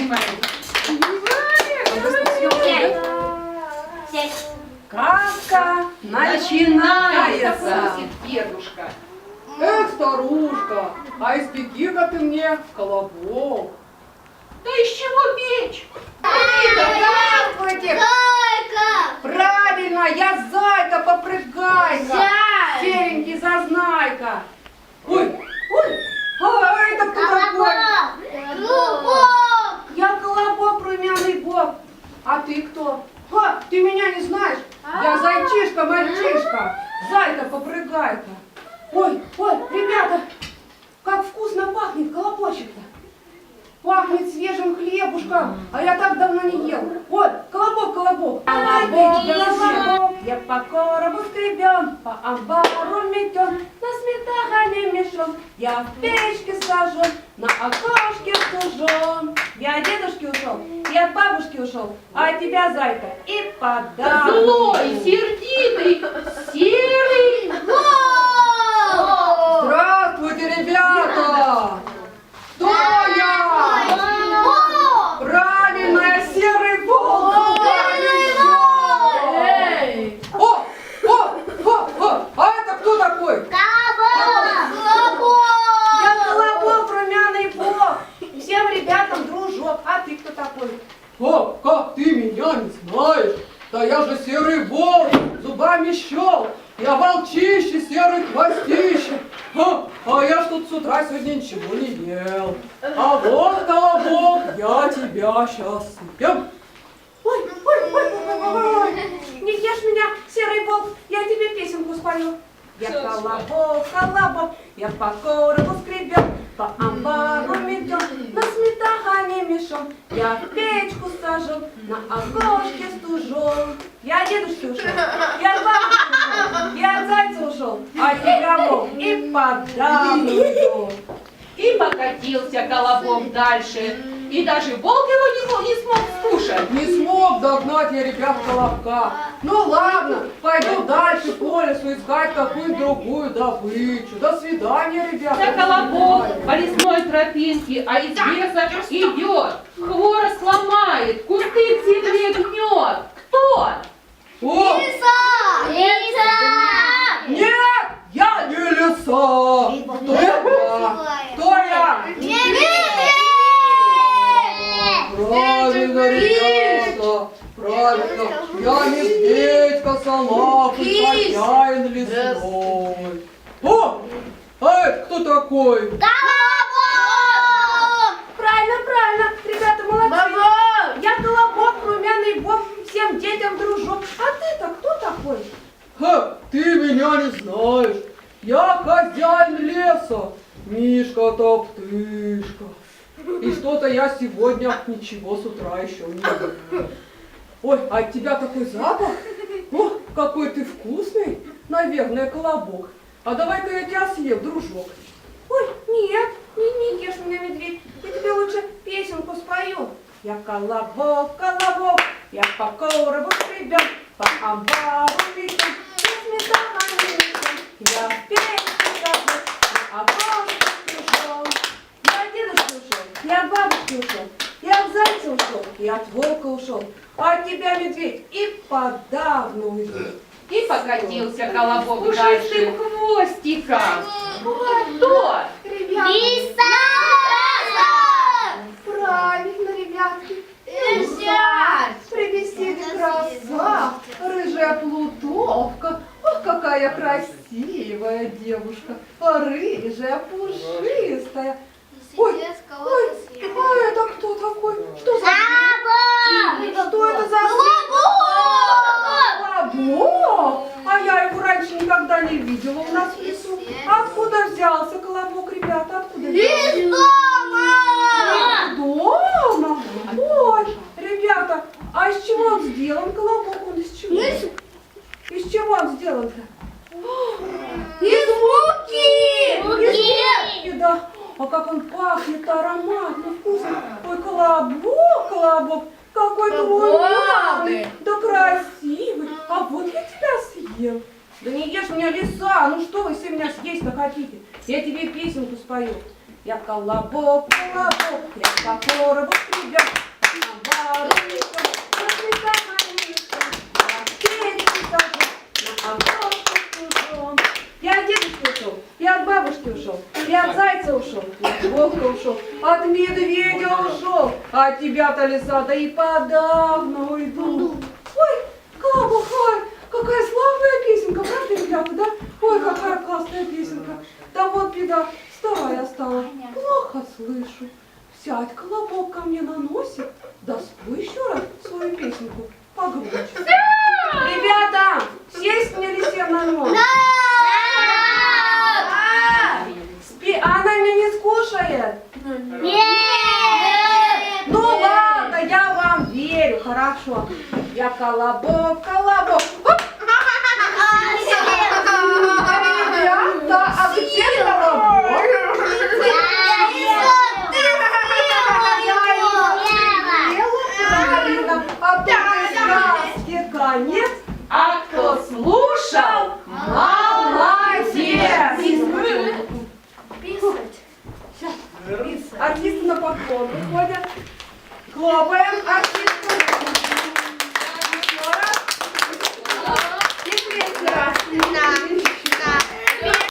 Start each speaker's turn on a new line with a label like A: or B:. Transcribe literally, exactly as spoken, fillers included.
A: Сказка начинается.
B: Дедушка.
A: Эх, старушка, а испеки-ка ты мне колобок.
B: Да из чего печь?
A: Здравствуйте!
C: Зайка!
A: Правильно, я зайка, попрыгайка.
C: Зай!
A: Серенький зазнайка. Ой, ой, а это кто такой?
C: Колобок!
A: Я колобок, румяный бог. А ты кто? А, ты меня не знаешь? Я зайчишка, мальчишка. Зайка, попрыгайка. Ой, ой, ребята, как вкусно пахнет колобочек-то. Пахнет свежим хлебушком, а я так давно не ел. Вот, колобок, колобок. Колобок, колобок, я по коробу скребен, по амбару метен, на сметане мешон, я в печке сажен, на окошке стужен. Я от дедушки ушел, и от бабушки ушел, а от тебя, зайка, и подам.
B: Злой, сердитый, серый.
A: Здравствуйте, ребята! Кто я? Правильно, я серый волк! Эй! О, о, о, о! А это кто такой? Я колобок, румяный бог! Всем ребятам дружок, а ты кто такой? О, как ты меня не знаешь? Да я же серый волк, зубами щел! Я волчище, серый хвостище. А, а я ж тут с утра сегодня ничего не ел. А вот, колобок, я тебя сейчас съем. Ой, ой, ой, ой, ой, не ешь меня, серый волк, я тебе песенку спою. Я колобок, колобок, я по коробу скребен, по амбару метен, на сметане мешон, я в печку сажен, на окошке стужен. Я от дедушки ушел, я от бабушки ушел, я от зайца ушел, а тебя волк и подам уйду.
B: И покатился колобок дальше. И даже волк его не, не смог скушать.
A: Не смог догнать я, ребят, колобка. Ну ладно, пойду дальше по лесу искать какую-нибудь другую добычу. До свидания, ребята.
B: Да колобок по лесной тропинке, а из леса идет, хворост ломает, кусты к земле гнет. Кто?
A: О,
C: Лиса! Лиса!
A: нет, я не лиса. Кто я? Кто я? Правильно, ребята, правильно. Я медведь, салак и хозяин лесной. О, а это кто такой?
C: Колобок!
A: Правильно, правильно, ребята, молодцы. Я колобок, румяный бог, всем детям дружок. А ты-то кто такой? Ха, ты меня не знаешь. Я хозяин леса, Мишка-топтышка. И что-то я сегодня ничего с утра еще не ел. Ой, а от тебя такой запах. О, какой ты вкусный, наверное, колобок. А давай-ка я тебя съем, дружок. Ой, нет, не, не ешь меня, медведь. Я тебе лучше песенку спою. Я колобок, колобок, я по коробу скребен, по амбару метен, на сметане метен, я в печке сажу, на окошке стужен. Я от дедушки ушел, я от бабушки ушел, я от зайца ушел, и от волка ушел, а от тебя, медведь, и подавно уйду.
B: И покатился колобок
A: Пушистым
B: дальше хвостиком. Кто?
A: Ребята,
C: Лиса!
A: правильно, ребятки.
C: Лиса!
A: При беседе краса, рыжая плутовка. Ох, какая красивая девушка, рыжая, пушистая. Ой, ой, а это кто такой? Что за зверь? Что это за колобок? А я его раньше никогда не видела у нас в лесу. Откуда взялся колобок, ребята? Откуда взялся? Дома? Ой, ребята, а из чего он сделан, колобок? Он из чего? Из чего он сделан-то? Из муки! Из муки, да. А как он пахнет ароматно, вкусно. Ой, колобок, колобок, какой ты румяный, да красивый. А вот я тебя съем. Да не ешь меня, лиса, ну что вы все меня съесть-то хотите? Я тебе песенку спою. Я колобок, колобок, я покоробок, ребят. На воронку, на цветах малинка, на печке сажу, на окошко стужу. Я от дедушки ушел, я от бабушки ушел, я от зайца ушел, я от волка ушел, от медведя ушел, а от тебя-то, лиса, да и подавно уйду. Ой, колобок, ой, какая славная песенка, правда, ребята, да? Ой, какая классная песенка. Да вот беда, старая я стала, плохо слышу. Сядь, колобок ко мне на носик, да спой еще раз свою песенку погромче. Ребята, сесть мне лисе на нос. Спи, а она меня не скушает? Ну ладно, я вам верю, хорошо. Я колобок, колобок. Оп! Ребята, а где колобок? Правильно, а тут сказки конец,
B: А кто слушал,
A: молодец!
C: Писать.
A: Артисты на поклон выходят. Хлопаем артисту.